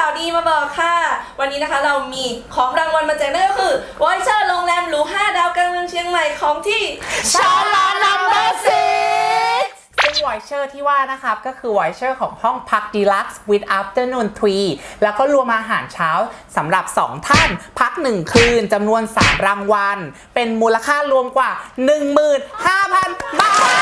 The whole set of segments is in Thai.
ข่าวดีมาบอกค่ะวันนี้นะคะเรามีของรางวัลมาแจกนั่นก็คือวอยเชอร์โรงแรมหรู5 ดาวกลางเมืองเชียงใหม่ของที่ชาลานัมเบอร์6ซึ่งวอยเชอร์ที่ว่านะครับก็คือวอยเชอร์ของห้องพัก Deluxe with Afternoon Tea แล้วก็รวมอาหารเช้าสำหรับ2ท่านพัก1คืนจำนวน3รางวัลเป็นมูลค่ารวมกว่า 15,000 บาท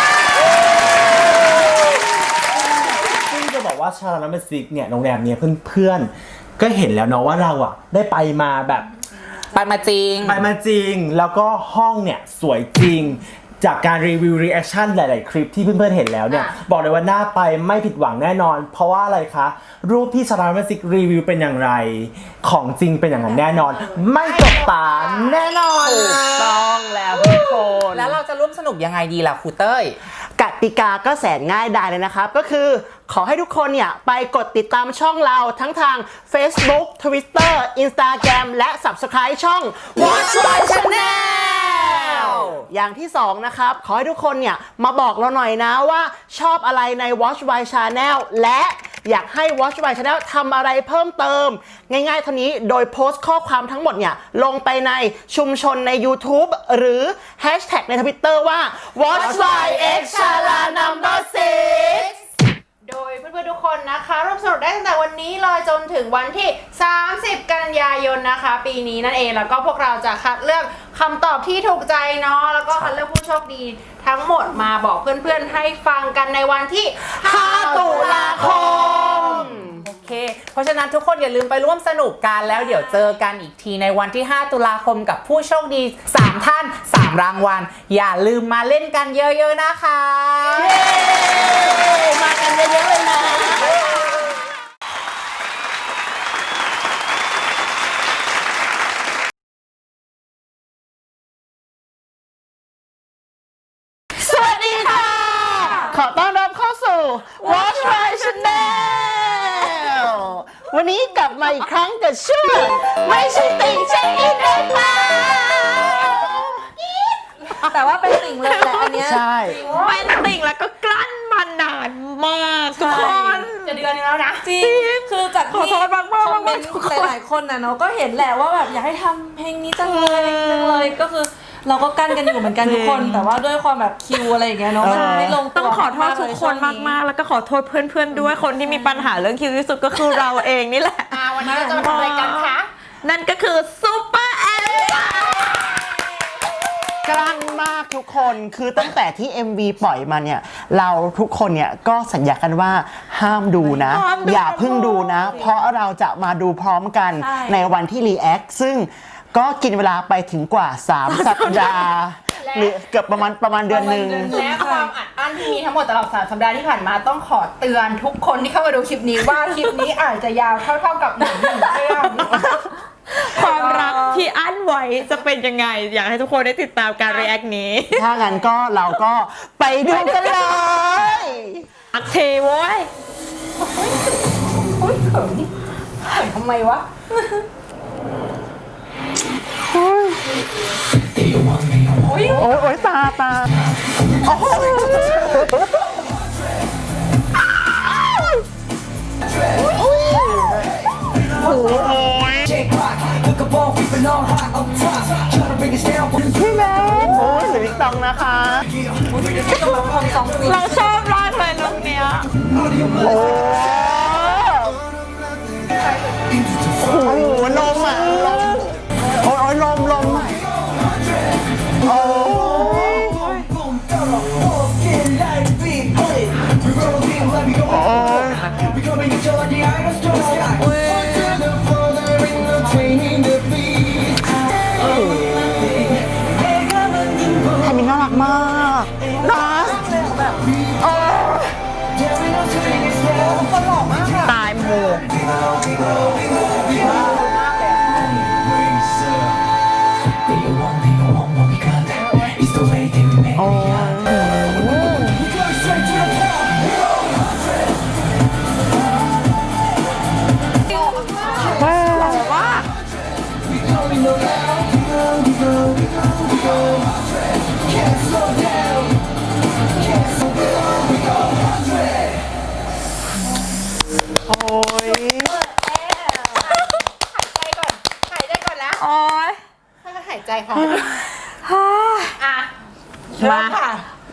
ซึ่งจะบอกว่าชาลานัมเบอร์6เนี่ยโรงแรมเนี่ยเพื่อนๆก็เห็นแล้วเนาะว่าเราอ่ะได้ไปมาแบบไปมาจริงแล้วก็ห้องเนี่ยสวยจริงจากการรีวิวรีแอคชั่นหลายๆคลิปที่เพื่อนๆเห็นแล้วเนี่ยบอกเลยว่าน่าไปไม่ผิดหวังแน่นอนเพราะว่าอะไรคะรูปที่ชาลานัมเบอร์6รีวิวเป็นอย่างไรของจริงเป็นอย่างนั้นแน่นอนไม่ตกตาแน่นอนถูกต้องแล้วทุกคนแล้วเราจะร่วมสนุกยังไงดีล่ะครูเต้ยกติกาก็แสนง่ายดายเลยนะครับก็คือขอให้ทุกคนเนี่ยไปกดติดตามช่องเราทั้งทาง Facebook Twitter Instagram และ Subscribe ช่อง Watch My Channel อย่างที่2นะครับขอให้ทุกคนเนี่ยมาบอกเราหน่อยนะว่าชอบอะไรใน Watch My Channel และอยากให้ Watch My Channel ทำอะไรเพิ่มเติมง่ายๆเท่านี้โดยโพสต์ข้อความทั้งหมดเนี่ยลงไปในชุมชนใน YouTube หรือ Hashtag ใน Twitter ว่า Watch My X Chala Number 6 โดยเพื่อนๆทุกคนนะคะร่วมสนุกได้ตั้งแต่วันนี้เลยจนถึงวันที่ 30 กันยายนนะคะปีนี้นั่นเองแล้วก็พวกเราจะคัดเลือกคำตอบที่ถูกใจเนาะแล้วก็คัดเลือกผู้โชคดีทั้งหมดมาบอกเพื่อนๆให้ฟังกันในวันที่ 5 ตุลาคมโอเคเพราะฉะนั้นทุกคนอย่าลืมไปร่วมสนุกกันแล้วเดี๋ยวเจอกันอีกทีในวันที่ 5 ตุลาคมกับผู้โชคดี3ท่าน3รางวัลอย่าลืมมาเล่นกันเยอะๆนะคะมากันเยอะๆเลยนะสวัสดีค่ะขอต้อนรับเข้าสู่ Watch My Channel วันนี้กลับมาอีกครั้งกับชื่อไม่ใช่ติ่งเช็คอินเองค่ะแต่ว่าเป็นติ่งเลยแหละอันเนี้ยใช่เป็นติ่งแล้วก็กลั้นมานานมากทุกคนจะเดือนนึงแล้วนะจริงคือจากที่คอมเมนต์หลายๆคนนะเนาะก็เห็นแหละว่าแบบอยากให้ทำเพลงนี้จังเลยก็คือเราก็กั้นกันอยู่เหมือนกันทุกคนแต่ว่าด้วยความแบบคิวอะไรอย่างเงี้ยเนาะมันไม่ลงตัวต้องขอโทษทุกคนมากๆแล้วก็ขอโทษเพื่อนๆด้วยคนที่มีปัญหาเรื่องคิวที่สุดก็คือเราเองนี่แหละวันนี้เราจะมาทำอะไรกันคะนั่นก็คือซุปเปอร์แอลกลั้นมากทุกคนคือตั้งแต่ที่ MV ปล่อยมาเนี่ยเราทุกคนเนี่ยก็สัญญากันว่าห้ามดูนะอย่าเพิ่งดูนะเพราะเราจะมาดูพร้อมกันในวันที่รีแอคซึ่งก็กินเวลาไปถึงกว่า3 สัปดาห์หรือเกือบประมาณเดือนนึงและความอัดอั้นที่มีทั้งหมดตลอด3 สัปดาห์ที่ผ่านมาต้องขอเตือนทุกคนที่เข้ามาดูคลิปนี้ว่าคลิปนี้อาจจะยาวเท่ากับหนัง1 เรื่องความรักที่อั้นไว้จะเป็นยังไงอยากให้ทุกคนได้ติดตามการรีแอคนี้ถ้างั้นก็เราก็ไปดูกันเลยอักเทโว้ยเขินทำไมวะโอ้ยตาโอ้โหพี่แมนโอ้ยหรือวิกตองนะคะเราชอบมากเลยลุคเนี้ยโอ้โหลมอ่ะโอ้ยลมโอ้แผ่นนี้น่ารักมากนะตายหมู่โอ้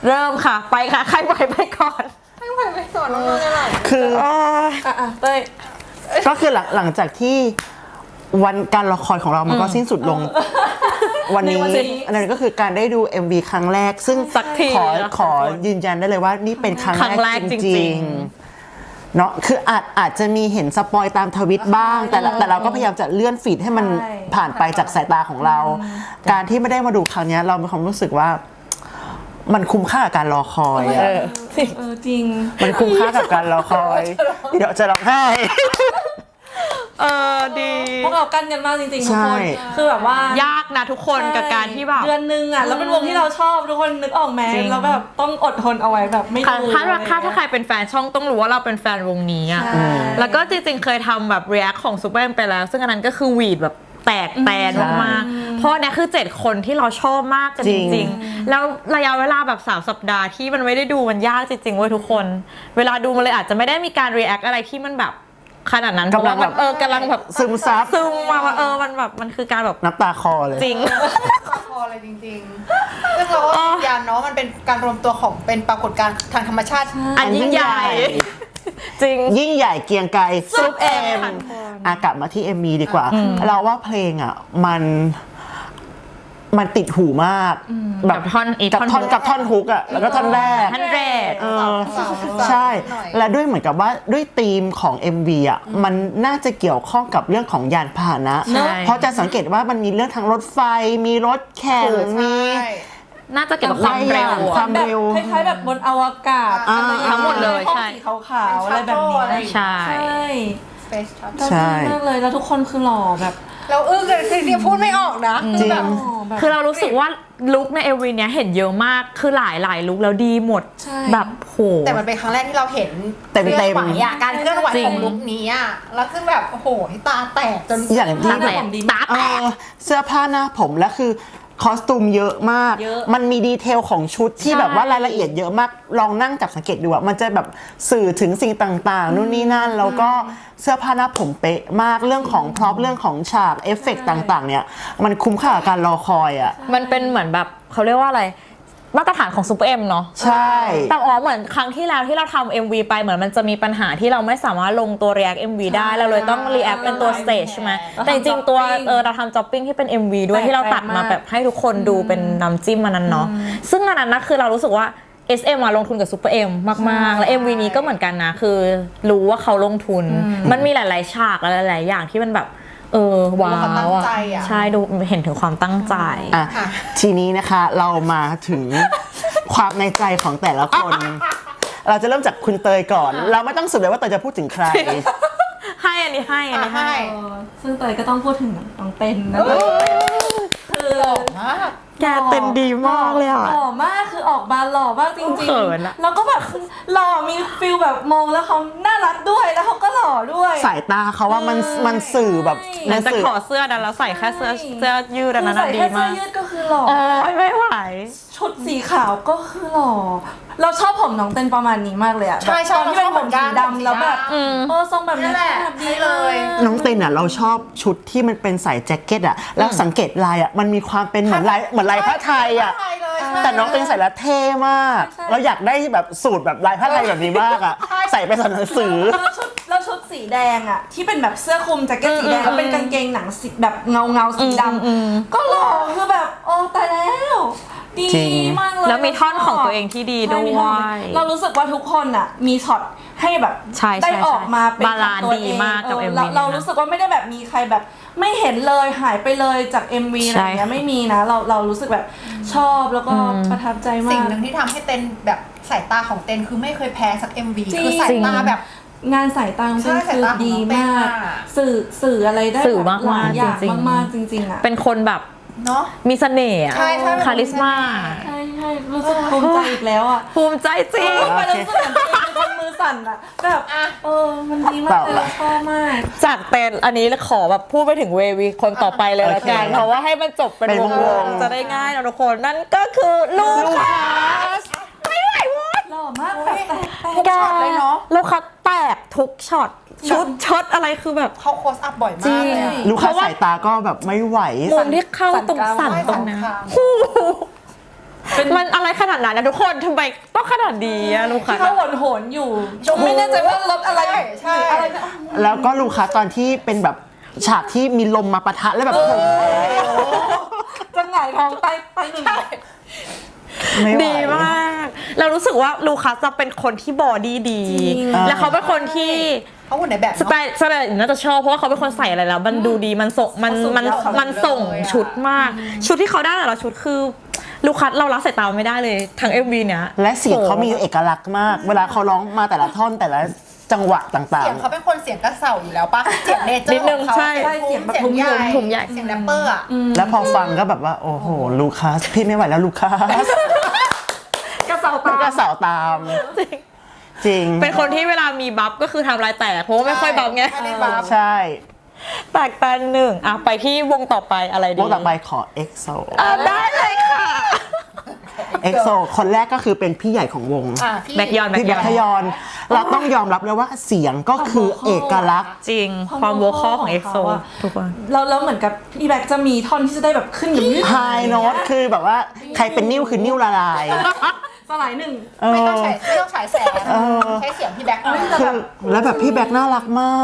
เริ่มค่ะ ไปค่ะ ใครไหวไปก่อนให้ไหวไปก่อนน้องๆได้ไหมคือเต้ยก็คือหลังจากที่วันการรอคอยของเรามันก็สิ้นสุดลง วันนี้ในวันนี้อันนั้นก็คือการได้ดู MV ครั้งแรก ซึ่งสักทีขอยืนยันได้เลยว่านี่เป็นครั้งครั้งแรแรกกจจริริงงๆเนาะคืออาจจะมีเห็นสปอยตามทวิตบ้าง แต่เราก็พยายามจะเลื่อนฟีดให้มันผ่านไปจากสายตาของเรา การที่ไม่ได้มาดูครั้งเนี้ยเรามีความรู้สึกว่ามันคุ้มค่ากับการรอคอยอะจริงมันคุ้มค่ากับการรอคอยเดี๋ยวจะร้องไห้ดีพวกเรากั้นกันมากจริงๆทุกใช่คนคือแบบว่ายากนะทุกคนกับการที่แบบเดือนนึงอ่ะแล้วเป็นวงที่เราชอบทุกคนนึกออกไหมจริงแล้วแบบต้องอดทนเอาไว้แบบไม่ถ้าดูถ้าใครเป็นแฟนช่องต้องรู้ว่าเราเป็นแฟนวงนี้อ่ะใช่แล้วก็จริงๆเคยทำแบบ react ของ Super M ไปแล้ว ซึ่งอันนั้นก็คือหวีดแบบแตกแตนมากๆเพราะเนี่ยคือ 7 คนที่เราชอบมากกันจจริงริงๆ แล้วระยะเวลาแบบ3 สัปดาห์ที่มันไม่ได้ดูมันยากจริงๆเว้ยทุกคน เวลาดูมันเลยอาจจะไม่ได้มีการ react อะไรที่มันแบบขนาดนั้นเพราะว่ามันกำลังแบบซึมซับซึมมาว่ามันแบบมันคือการแบบน้ำตาคอเลยจริงพอเลยจริงๆซึ่งเราก็ยืนยันเนาะมันเป็นการรวมตัวของเป็นปรากฏการณ์ทางธรรมชาติอันยิ่งใหญ่ จริงยิ่งใหญ่เกรียงไกรซุปเอ็มกลับมาที่ MV ดีกว่า เราว่าเพลงอ่ะมันติดหูมากกับท่อนอีกกับท่อนกับท่อนฮุกอ่ะแล้วก็ท่อนแรกท่อนแรกใช่ และด้วยเหมือนกับว่าด้วยธีมของ MV อ่ะมันน่าจะเกี่ยวข้องกับเรื่องของยานพาหนะใช่เพราะจะสังเกตว่ามันมีเรื่องทางรถไฟ มีรถแข่งมีน่าจะเกี่ยวกับความเร็วควาอะม เร็วคล้ายๆแบบบนอวกาศอ่าอะไรอย่างงี้ทั้งหมดเลยห้องใช่สีขาวๆอะไรแบบนี้ใช่ใช่ Space Shuttle เราดีมากเลยแล้วทุกคนคือหล่อแบบเราอึ้งเลยคือเดียวพูดไม่ออกนะจริงแบบหล่อแบบคือเรารู้สึกว่าลุคใน MV เนี้ยเห็นเยอะมาก คือหลายลุคแล้วดีหมดใช่แบบโหแต่มันเป็นครั้งแรกที่เราเห็นเต็มๆเคลื่อนไหวอะการเคลื่อนไหวจริงของลุคนี้อะแล้วคือแบบโอ้โหตาแตกจนอย่างที่ตาแตกตาแตกเสื้อผ้าหน้าผมและคือคอสตูมเยอะมากเยอะมันมีดีเทลของชุดที่ใช่แบบว่ารายละเอียดเยอะมาก ลองนั่งจับสังเกตดูอะมันจะแบบสื่อถึงสิ่งต่างๆ นู่นนี่นั่น แล้วก็เสื้อผ้าหน้าผมเป๊ะมาก เรื่องของพร็อพเรื่องของฉากเอฟเฟกต์ต่างๆ เนี่ย มันคุ้มค่ากับการรอคอยอะมันเป็นเหมือนแบบเขาเรียกว่าอะไร มาตรฐานของ Super M เนาะใช่แต่เหมือนครั้งที่แล้วที่เราทำ MV ไปเหมือนมันจะมีปัญหาที่เราไม่สามารถลงตัว React MV ได้เราเลยต้อง React เป็นตัว Stage ใช่ไหมแต่จริงๆตัวเราทำ Jopping ที่เป็น MV ด้วยที่เราตัดมาแบบให้ทุกคนดูเป็นน้ำจิ้มมันนั้นเนาะซึ่งอันนั้นนะคือเรารู้สึกว่า SM มาลงทุนกับ Super M มากๆ และ MV นี้ก็เหมือนกันนะคือรู้ว่าเขาลงทุน มันมีหลายๆฉากหลายๆอย่างที่มันแบบว้าความตั้วงอะใจอะใช่ดูเห็นถึงความตั้งใจอ่ะทีนี้นะคะเรามาถึงความในใจของแต่ละคน เราจะเริ่มจากคุณเตยก่อน เราไม่ต้องสืบเลยว่าเตยจะพูดถึงใครให้อันนี้ให้อันนี้ให้ซึ่งเตยก็ต้องพูดถึงน้องเต้นนะคือมากแกเต้นดีมากเลยอ่ะหล่อมากคือออกมาหล่อมากจริงเขินอะแล้วก็แบบหล่อมีฟิลแบบมองแล้วเขาน่ารักด้วยแล้วเขาก็หล่อด้วยสายตาเขาว่ามันสื่อแบบหลังจากสื่อถอดเสื้อนั้นแล้วใส่แค่เสื้อยืดอันนั้นใส่อะดีแค่เสื้มาอก ยืดก็คือหล่อโอ้ยไม่ไหวชุดสีขาวก็คือหล่อ เราชอบผมน้องเต้นประมาณนี้มากเลยอะใช่ใช่ตอนที่เป็นผมสีดำแล้วแบบอืมทรงแบบนั่นี้นแหละแบบดีนี่เลยน้องเต้นอ่ะเราชอบชุดที่มันเป็นใส่แจ็คเก็ตอ่ะแล้วสังเกตลายอ่ะมันมีความเป็นเหมือนลายผ้าไทยอ่ะผ้าไทยเลยใช่แต่น้องเต้นใส่แล้วเท่มาก เราอยากได้แบบสูตรแบบลายผ้าไทยแบบนี้มากอ่ะใส่ไปสอนหนังสือแล้วชุดสีแดงอะที่เป็นแบบเสื้อคลุมแจ็คเก็ตสีแดงแล้วเป็นกางเกงหนังสีแบบเงาสีดำก็หล่อคือแบบโอ้ตายแล้วดีจริงมากเลยแล้วมีท่อนของตัวเองที่ดีใช่ด้มีวท่อนยเรารู้สึกว่าทุกคนอะมีช็อตให้แบบใช่ใช่ได้ออกมาเป็นบาลานซ์ของตัวดีเองมากกับ MV เรานี้นะรู้สึกว่าไม่ได้แบบมีใครแบบไม่เห็นเลยหายไปเลยจาก MV อะไรอย่างเงี้ยใช่ไม่มีนะเรารู้สึกแบบชอบแล้วก็ประทับใจมาสิ่งกหนึ่งที่ทำให้เต้นแบบสายตาของเต้นคือไม่เคยแพ้สัก MV จริงคือสายตาแบบงานสายตาของเต้นใช่คือสายตาของดีน้องเต้นมากอะสื่ออะไรได้สื่อแบบมากๆหลายอย่างจริงๆมากๆจริงๆอะเป็นคนแบบเนาะมีเสน่ห์อะใช่ใช่คาริสมาใช่ใช่รู้สึกภูมิใจอีกแล้วอ่ะภูมิใจจริงไปแล้วรู้สึกเหมือนตัวเองเป็นคนมือสั่นอ่ะแบบมันดีมากเลยเราชอบมากจากเต้นอันนี้ขอแบบพูดไปถึงเววีคนต่อไปเลยละกันโอเคเพราะว่าให้มันจบเป็นเป็นววงงๆจะได้ง่ายนะทุกคนนั่นก็คือลูคัสไม่ไหววะหล่อมากแบบแตกทุกช็อตเลยเนาะลูคัสแตกทุกช็อตชุดอะไรคือแบบเขาโคสอัพบ่อยมากเลยอะลูกค้าสายตาก็แบบไม่ไหวมุมที่เข้าตรงสั่นตรงนั้นสั่นคางมันอะไรขนาดนั้นนะทุกคนทำไมต้องขนาดดีอะลูกค้าที่เขาโหนๆอยู่ไม่แน่ใจว่ารถอะไรใช่อะไรนะแล้วก็ลูกค้าตอนที่เป็นแบบฉากที่มีลมมาปะทะแล้วแบบผมจะหงายท้องไปหนึ่งไม่ไหวดีมาก เรารู้สึกว่าลูคัสจะเป็นคนที่บอดี้ดี แล้วเขาเป็นคนที่เขาหุ่นในแบบสไตล์น่าจะชอบเพราะว่าเขาเป็นคนใส่อะไรแล้ว มันดูดีมันส่งมันส่งชุดมาก ชุดที่เขาได้แต่ละชุดคือลูคัสเราละสายตาไม่ได้เลยทั้ง MV เนี้ยและเสียงเขามีเอกลักษณ์มาก เวลาเขาร้องมาแต่ละท่อนแต่ละจังหวะต่างเสียงเขาเป็นคนเสียงกระเสาอยู่แล้วปะเสียงเนเจอนิดร์นึของ งเขาใช่เสียงทุ้มใหญ่ทุ้มใหญ่เสียงแรปเปอร์อ่ะๆ แล้วพอฟังก็แบบว่า โอ้โห ลูคัสพี่ไม่ไหวแล้วลูคัสกระเสาตาก็สาวตาม จริงเป็นคนที่เวลามีบัฟก็คือทำลายแตกเพราะว่าไม่ค่อยบัฟไงไม่ได้บัฟใช่แตกตันหนึ่งอ่ะไปที่วงต่อไปอะไรดีวงต่อไปขอ EXO ได้เลยค่ะ EXO คนแรกก็คือเป็นพี่ใหญ่ของวงอ่ะพี่แบ็กยอนพี่แบ็คทยอน เราต้องยอมรับเลยว่าเสียงก็คือเอกลักษณ์จริงความโวคอลของ EXO ทุกคนแล้วเหมือนกับพี่แบ็คจะมีท่อนที่จะได้แบบขึ้นอย่างนี้ไฮโน้ตคือแบบว่าใครเป็นนิ้วคือนิ้วละลายสลายหนึ่งไม่ต้องฉายแสงใช้เสียงพี่แบ็คเอาคือแล้วแบบพี่แบ็คน่ารักมาก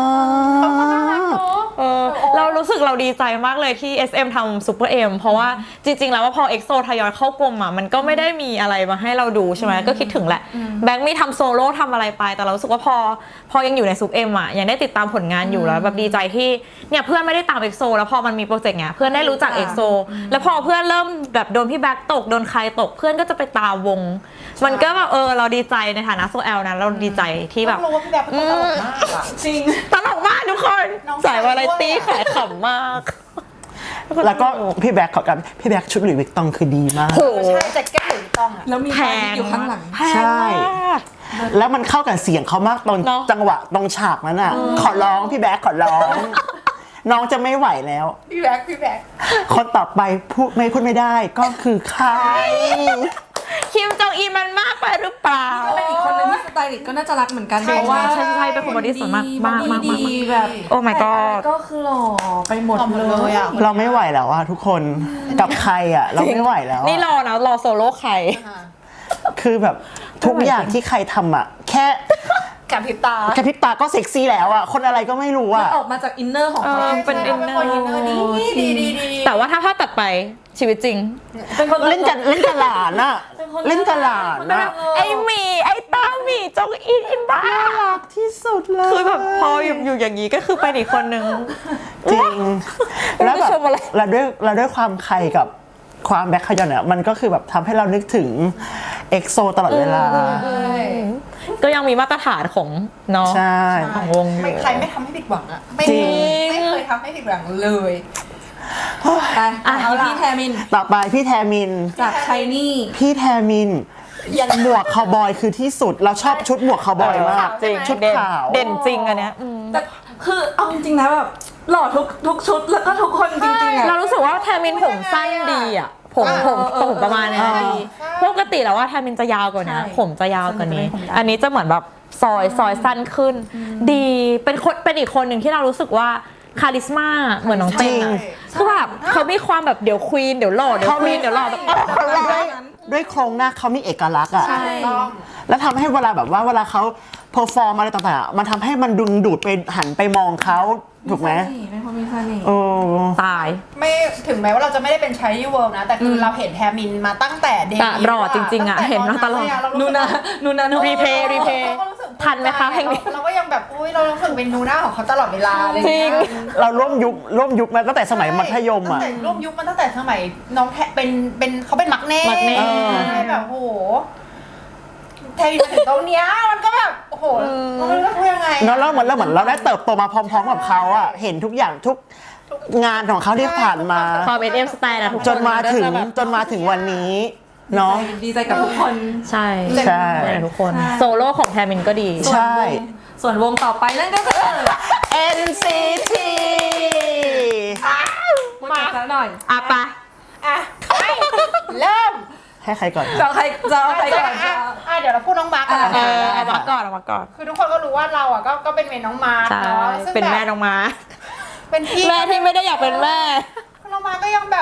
เรารู้สึกเราดีใจมากเลยที่ SM ทำซูเปอร์เอ็มเพราะว่าจริงๆแล้วว่าพอ EXO ทยอยเข้ากลมอ่ะมันก็ไม่ได้มีอะไรมาให้เราดูใช่ไหมก็คิดถึงแหละแบงค์มีทำโซโล่ทำอะไรไปแต่เรารู้สึกว่าพอยังอยู่ในซูเปอร์เอ็มอ่ะยังได้ติดตามผลงานอยู่แล้วแบบดีใจที่เนี่ยเพื่อนไม่ได้ตาม EXO แล้วพอมันมีโปรเจกต์เนี้ยเพื่อนได้รู้จัก EXO แล้วพอเพื่อนเริ่มแบบโดนพี่แบ็คตกโดนใครตกเพื่อนก็จะไปตามวง มันก็แบบเราดีใจในฐานะโซแอลนะเราดีใจที่แบบต้องรู้ว่าพี่แบ็คเป็นคนตลกมากอ่ะจริงตลกมากทุกคนน้องสายวาไรตี้สายด้วยขายขำมากแล้วก็พี่แบ็คขอกับพี่แบ็คชุดหลุยส์วิกตองคือดีมากโหใช่แจ็คเก็ตหลุยส์ตองอ่ะแล้วมีแพไฟงอยู่ข้างหลังแพงใช่มากแล้วมันเข้ากับเสียงเขามากตรงเนอะจังหวะตรงฉากนั้นอ่ะ ขอร้องพี่แบ็คขอร้อง น้องจะไม่ไหวแล้วพี่แบ็คคนต่อไปพูดไม่ได้ก็คือใครคิมจองอีมันมากไปหรือเปล่าเป็นอีกคนนึงที่สไตลิสต์ก็น่าจะรักเหมือนกันใช่เพราะว่าใช่เป็นคนบอดี้สวยมากมากมากดีแบบโอ้ my god ก็คือหล่อไปหมดหล่อหมดเลเลยยอ่ะเราไม่ไหวแล้วอะทุกคนกับใครอะเราไม่ไหวแล้วอะนี่รอนะรอโซโล่ใครคือแบบทุกอย่างที่ใครทำอะแค่กับพริบตากระพริบตาก็เซ็กซี่แล้วอะคนอะไรก็ไม่รู้อะออกมาจากอินเนอร์ของเขาเป็นใช่ inner เป็นคนอินเนอร์ดีแต่ว่าถ้าภาพตัดไปชีวิตจริงเป็นคนเล่นกับหลานอะเล่นกับหลานอะไอหมีไอตาหมีจองอีอินบ้ารักที่สุดเลยคือแบบพออยู่อย่างนี้ก็คือเป็นอีกคนนึงจริง แล้วแบบชมอะไรเราด้วยความใครกับความแบ็คขยอนเนี่ยมันก็คือแบบทำให้เรานึกถึงเอ็กโซตลอดเวลาก็ยังมีมาตรฐานของเนาะใช่ของวงอยู่ใครไม่ทำให้ผิดหวังอ่ะไม่จริงไม่เคยทำให้ผิดหวังเลยไปเอาพี่แทมินต่อไปพี่แทมินจากชายนี่พี่แทมินหมวกคาวบอยคือที่สุด เราชอบชุดหมวกคาวบอยมากจริงชุดขาวเด่นจริงอันเนี้ยแต่คือเอาจริงๆนะแบบหล่อทุกชุดแล้วก็ทุกคนจริงๆอะเรารู้สึกว่าแทมินผมสั้นดีอ่ะผมประมาณเนี้ยดีปกติแล้วว่าแทมินจะยาวกว่านี้ผมจะยาวกว่านี้ อันนี้จะเหมือนแบบซอยสั้นขึ้น ดีเป็นอีกคนหนึ่งที่เรารู้สึกว่าคาริสมาเหมือนน้องเต้นอะคือแบบเขามีความแบบเดี๋ยวควีนเดี๋ยวหล่อเดี๋ยวควีนเดี๋ยวหล่อแบบด้วยโครงหน้าเขามีเอกลักษณ์อ่ะใช่แล้วทำให้เวลาแบบว่าเวลาเขาเพอร์ฟอร์มอะไรต่างๆอะมันทำให้มันดึงดูดไปหันไปมองเขาถูกไหมเป็นคนมีเสน่ห์โอ้ตายไม่ถึงแม้ว่าเราจะไม่ได้เป็นชายที่เวิลด์นะ แต่คือเราเห็นแทมินมาตั้งแต่เด็กแต่รอจริงๆอะเห็นมาตลอดนูนานูรีเพย์ทันไหมคะเพลงนี้เราก็ยังแบบอุ้ยเรารู้สึกเป็นนูน่าของเขาตลอดเวลาอะไรอย่างจริเงี้งยเราร่วมยุคมาตั้งแต่สมัยมัธยมตั้อ่ะงแต่ร่วมยุคมาตั้งแต่สมัยน้องแทเป็นเขาเป็นมักเน่มักเน่ใช่แบบโอ้โหแทมินมาถึงตรงเนี้ยมันก็แบบโอ้โหเราไม่รู้จะพูดยังไงเนาะแล้วเหมือนเราได้เติบโตมาพร้อมๆกับเขาอ่ะเห็นทุกอย่างทุกงานของเขาที่ผ่านมาความเป็นสไตล์นะทุกคนจนมาถึงวันนี้เนาะดีใจกับทุกคนใช่ใช่ทุกคน โซโล่ของแทมินก็ดีใช่ส่วนวงต่อไปนั่นก็คือ NCT พูดกันสักหน่อยอ่ะปะอ่ะไปเริ่มให้ใครก่อนจะเอาใครก่อนเดี๋ยวเราพูดน้องมาร์กก่อนเอามาก่อนเอามาก่อนคือทุกคนก็รู้ว่าเราอ่ะก็เป็นเมนน้องมาร์กใช่เนาะซึ่งเป็นบบแม่น้องมาเป็นพี่แม่ที่ไม่ได้อยากเป็นแม่น้องมาร์กก็ยังแบบ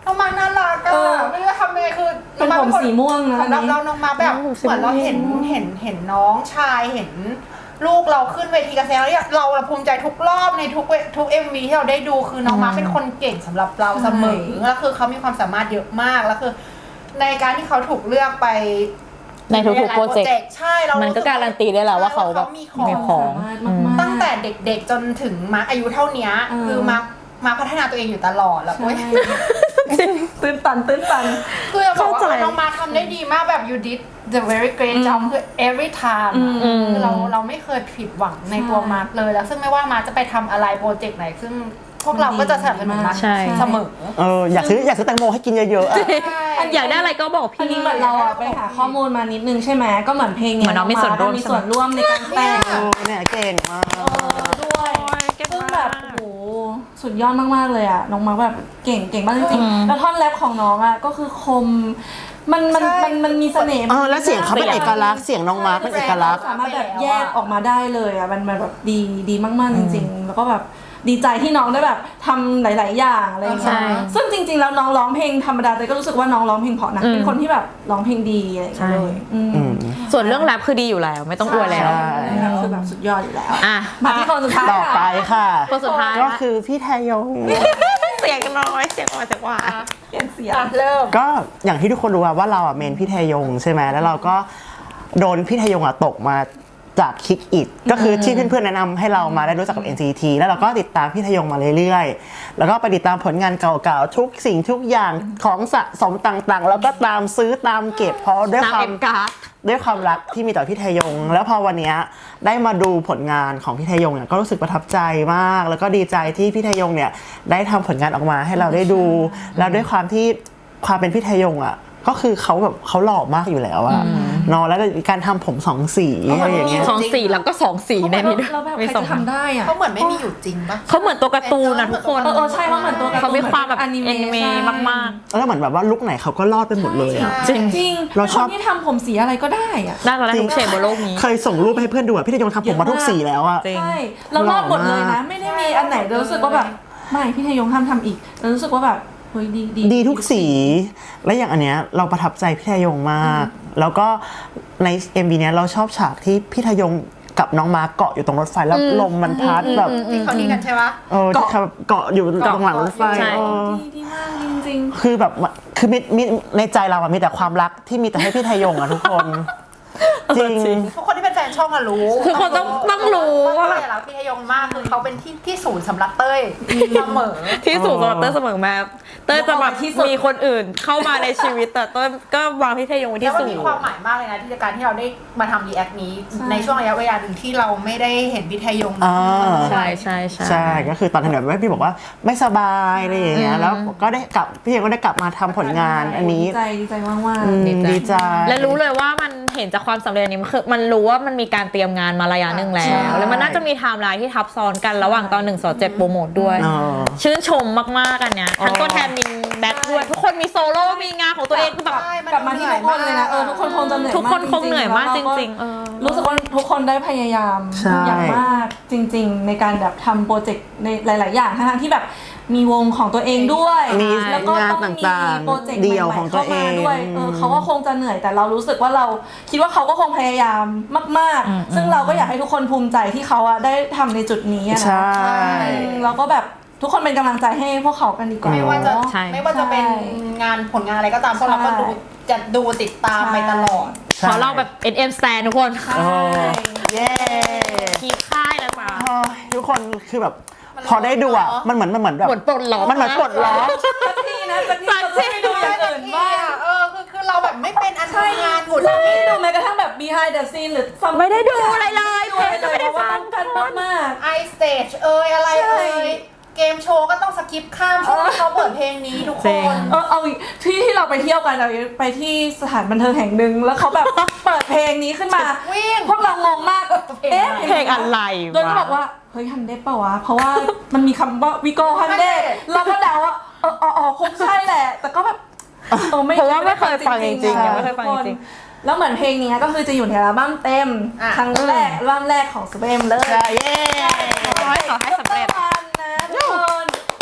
น้องมาน่ารักเออไม่รู้จะทำยังไงคือเป็นผมสีม่วงนะสำหรับอันนี้เราน้องมาแบบเหมือนเราเห็นน้องชายเห็นลูกเราขึ้นเวทีการแสดงแล้วเนี่ยเราภูมิใจทุกรอบในทุก MV ที่เราได้ดูคือน้องมาเป็นคนเก่งสำหรับเราเสมอแล้วคือเขามีความสามารถเยอะมากแล้วคือในการที่เขาถูกเลือกไปในทุกๆโปรเจกต์ใช่เรามัมันก็การันตีได้แล้วว่าเขาแบบมีขมีองของตั้งแต่เด็กๆจนถึงมาอายุเท่านี้เออคือมาพัฒนาตัวเองอยู่ตลอดแล้วโอ๊ยตื้นตันคือจะบอกว่าเข้าใจน้องมาทำได้ดีมากแบบ you did the very great job คือ every time คือเราไม่เคยผิดหวังในตัวมาร์คเลยแล้วซึ่งไม่ว่ามาร์คจะไปทำอะไรโปรเจกต์ไหนซึ่งพวกเราก็จะสนับสนุนมาร์คใช่เสมออยากซื้อแตงโมให้กินเยอะๆอะอยากได้อะไรก็บอกอันพี่นี้เหมือนเราอะไปหาข้อมูลมานิดนึงใช่ไหมก็เหมือนเพลงเนี้ยเหมือนน้องมีส่วนร่วมมีส่วนร่วมในการแต่งเนี่ยเก่งมากด้วยซึ่งแบบโอ้โหสุดยอดมากๆเลยอะน้องมาร์คแบบเก่งมากจริงๆแล้วท่อนแรปของน้องอะก็คือคมมันมีเสน่ห์แล้วเสียงเขาเป็นเอกลักษณ์เสียงน้องมาร์คเป็นเอกลักษณ์สามารถแบบแยกออกมาได้เลยอะมันแบบดีมากๆจริงๆ แล้วก็แบบดีใจที่น้องได้แบบทำหลายๆอย่างอะไรอย่างเงี้ยซึ่งจริงๆแล้วน้องร้องเพลงธรรมดาแต่ก็รู้สึกว่าน้องร้องเพลงเพราะนะเป็นคนที่แบบร้องเพลงดีอะไรอย่างเงี้ยเลยส่วนเรื่องแรปคือดีอยู่แล้ว ไม่ต้องอวยแล้วคือแบบสุดยอดอยู่แล้วอ่ะมาที่คนสุดท้ายต่อไปค่ะคนสุดท้ายก็คือพี่แทยงเสียงน้อยเสียงอ่อนจังหวะเปลี่ยนเสียงเริ่มก็อย่างที่ทุกคนรู้ว่าเราเมนพี่แทยงใช่ไหมแล้วเราก็โดนพี่แทยงตกมาจากคิกอิดก็คือที่เพื่อนๆแนะนำให้เรามาได้รู้จักกับ NCT แล้วเราก็ติดตามพี่แทยงมาเรื่อยๆแล้วก็ไปติดตามผลงานเก่าๆทุกสิ่งทุกอย่างของสะสมต่างๆ แล้วก็ตามซื้อตามเก็บเพราะด้วยความรักที่มีต่อพี่แทยงแล้วพอวันเนี้ยได้มาดูผลงานของพี่แทยงเนี่ยก็รู้สึกประทับใจมากแล้วก็ดีใจที่พี่แทยงเนี่ยได้ทำผลงานออกมาให้เราได้ดูแล้วด้วยความที่ความเป็นพี่แทยงก็คือเขาแบบเขาหล่อมากอยู่แล้วอะเนาะแล้วการทำผมสองสีอะไรอย่างเงี้ยสองสีแล้วก็สองสีในนี้ด้วยเราแบบใคมีรสองจะทำได้อะเขาเหมือนไม่มีอยู่จริงปะเขาเหมือนตัวการ์ตูนนะทุกคนใช่เขาเหมือนตัวการ์ตูนเขามีความแบบอแอนิเมะมากแล้วเหมือนแบบว่าลุคไหนเขาก็รอดไปหมดเลยอะๆ จริงจริงเราชอบคนที่ทำผมสีอะไรก็ได้อะได้แล้วทุกเฉดบนโลกนี้เคยส่งรูปให้เพื่อนดูอะพี่แทยงทำผมมาทุกสีแล้วอะจริงใช่เรารอดหมดเลยนะ ไม่ได้มีอันไหนเรารู้สึกว่าแบบไม่พี่ทยงห้ามทำอีกเรารู้สึกว่าแบบเฮ้ยดีทุกสี และอย่างอันเนี้ยเราประทับใจพี่แทยงมาก แล้วก็ใน MV เนี้ยเราชอบฉากที่พี่แทยงกับน้องมาร์คเกาะอยู่ตรงรถไฟแล้วลมมันพัดแบบที่เขานี่กันใช่ปะที่เขาเกาะอยู่ตรงหลังรถไฟใช่ดีมากจริงคือแบบคือมีในใจเราอะมีแต่ความรักที่มีแต่ให้พี่ไทยงอะทุกคน จริงทุกคนที่เป็นแฟนช่องอะรู้ทุกคนต้องรู้ว่าแบบเต้ยรักพี่ทยงมากคือเขาเป็นที่ศูนย์สำหรับเต้ยเสมอที่สูงสำหรับเต้ยเสมอมาเต้ยจะแบบมีคนอื่นเข้ามาในชีวิตแต่เต้ยก็วางพี่เทยงไว้แล้ที่วมันสูงมีความหมายมากเลยนะที่การที่เราได้มาทำรีแอคนี้ในช่วงระยะเวลาหนึ่งที่เราไม่ได้เห็นพี่ทยงใช่ใช่ก็คือตอนนั้นแบบพี่บอกว่าไม่สบายอะไรอย่างเงี้ยแล้วก็ได้กลับพี่ยังก็ได้กลับมาทำผลงานอันนี้ดีใจมากดีใจและรู้เลยว่ามันเห็นจากความสำเร็จนี้มันรู้ว่ามันมีการเตรียมงานมาระยะหนึ่งแล้วแล้วมันน่าจะมีไทม์ไลน์ที่ทับซ้อนกันระหว่างตอน1 2 7โปรโมทด้วย ชื่นชมมากๆอันเนี้ยทั้งตัวแทนมินแบ็คด้วยทุกคนมีโซโล่มีงานของตัวเองคือแบบกลับมาที่ทุกคนเลยนะทุกคนคงจะเหนื่อยทุกคนคงเหนื่อยมากจริงๆรู้สึกว่าทุกคนได้พยายามใช่อย่างมากจริง ๆ ในการแบบทำโปรเจกต์ในหลาย ๆ อย่างทั้งที่แบบมีวงของตัวเองด้วยมีแล้วก็ต้องงานมีต่างๆโปรเจกต์เดี่ยวใหม่ของๆตัวเข้ามาด้วยเองเขาก็คงจะเหนื่อยแต่เรารู้สึกว่าเราคิดว่าเขาก็คงพยายามมาก ๆ ซึ่งเราก็อยากให้ทุกคนภูมิใจที่เขาได้ทำในจุดนี้นะใช่เราก็แบบทุกคนเป็นกำลังใจให้พวกเขากันดีกว่าไม่ว่าจะใช่ไม่ว่าจะเป็นงานผลงานอะไรก็ตามพวกเราก็ดูติดตามไปตลอดขอเราแบบ NM Stand ทุกคนใช่เย้คีค่ายนะจ๊ะทุกคนคือแบบพอได้ดูอ่ะมันเหมือนแบบเหมือนปลดล็อกมันเหมือนปลดล็อกสักทีนะสักทีเราจะไม่ดูอย่างอื่นบ้างคือเราแบบไม่เป็นอันทำงานหมดเราไม่ได้ดูแม้กระทั่งแบบ behind the scene หรือ something ไม่ได้ดูอะไรเลยไม่ได้ดูอะไรเลยไม่ได้เพราะว่าฟังต้องการมากไอสเตจอะไรเกมโชว์ก็ต้องสกิปข้ามช่วงที่เขาเปิดเพลงนี้ทุกคนเอาอีกที่เราไปเที่ยวกันเราไปที่สถานบันเทิงแห่งหนึ่งแล้วเขาแบบ เปิดเพลงนี้ขึ้นมาวิ่งพวกเรางงมากเอ๊ะเพลงอะไรโดยบอกว่าเฮ้ยฮันเดเปล่าวะเพราะว่ามันมีคำว่าวิโกฮันเดเราก็เดาว่าคงใช่แหละ แต่ก็แบบเพราะว่าไม่เคยฟังจริงๆยังไม่เคยฟังจริงแล้วเหมือนเพลงนี้ก็คือจะอยู่ในอัลบั้มเต็มครั้งแรกอัลบั้มแรกของสเปมเลยเย้ขอให้สำเร็จนะทุกคนยังไงก็อยาก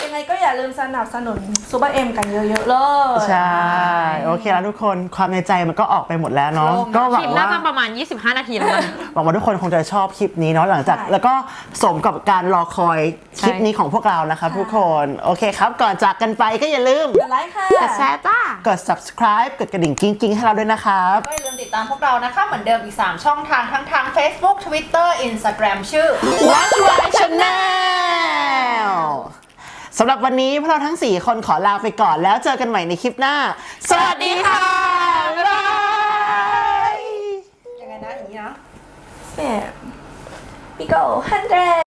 อย่าลืมสนับสนุนซูเปอร์เอ็มกันเยอะๆเลยใช่ โอเคแล้วทุกคนความในใจมันก็ออกไปหมดแล้วเนาะก็หวัคลิงปน่าว่าจะประมาณ 25 นาทีแล้วกันหวังว่าทุกคนคงจะชอบคลิปนี้เนาะหลังจากใช่แล้วก็สมกับการรอคอยคลิปนี้ของพวกเรานะครับทุกคนโอเคครับก่อนจากกันไปก็อย่าลืมกดไลค์ค่ะกดแชร์จ้ากด subscribe กดกระดิ่งกิ้งๆให้เราด้วยนะครับก็อย่าลืมติดตามพวกเรานะคะเหมือนเดิมอีก 3 ช่องทางทั้งทาง Facebook Twitter Instagram ชื่อ Watch My Channel สำหรับวันนี้พวกเราทั้ง 4 คนขอลาไปก่อนแล้วเจอกันใหม่ในคลิปหน้า สวัสดีค่ะ บ๊ายบายยังไงนะอย่างนี้นะ Yeah. We go 100